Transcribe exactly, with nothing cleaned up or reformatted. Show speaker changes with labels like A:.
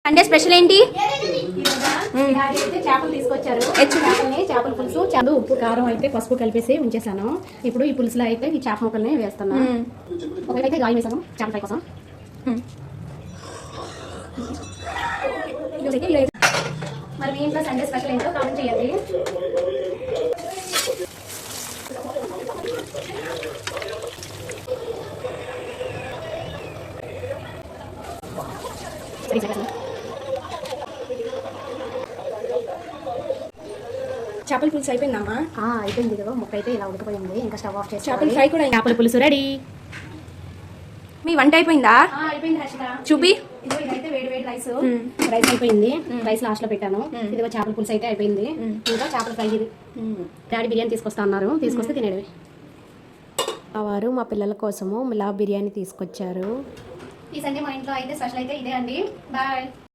A: Sunday special ఏంటి?
B: చేపలు తీసుకొచ్చారు. చేపల్ని చేపల పులుసు చాలు ఉప్పు కారం అయితే పసుపు కలిపేసి ఉంచేసాను. ఇప్పుడు ఈ పులుసులో అయితే ఈ చేప ముక్కల్ని వేస్తున్నా. ఒకటైతే గాయం వేసాను చేపల ఫ్రై కోసం. మరి మీ ఇంట్లో సండే స్పెషల్ ఏంటో కామెంట్ చేయండి. చేపల పులుసు అయిపోయిందమ్మా. అయిపోయింది కదా, ముక్క అయితే ఇలా ఉడికిపోయింది. ఇంకా స్టవ్ ఆఫ్ చేసి చేపల ఫ్రై కూడా చేపల పులుసు రెడీ.
A: మీ వంట అయిపోయిందా?
B: అయిపోయింది హర్షిత.
A: చూపి.
B: ఇదైతే వేడి వేడి రైస్ రైస్ అయిపోయింది. రైస్ లాస్ట్ లో పెట్టాను. ఇదిగో చేపల పులుసు అయితే అయిపోయింది. ఇంకా చేపల ఫ్రై ఇది. డాడీ బిర్యానీ తీసుకొస్తా అన్నారు, తీసుకొస్తే తినేవి. వారు మా పిల్లల కోసము మిలా బిర్యానీ తీసుకొచ్చారు. ఈ సండే మా ఇంట్లో అయితే స్పెషల్ అయితే ఇదే అండి. బాయ్.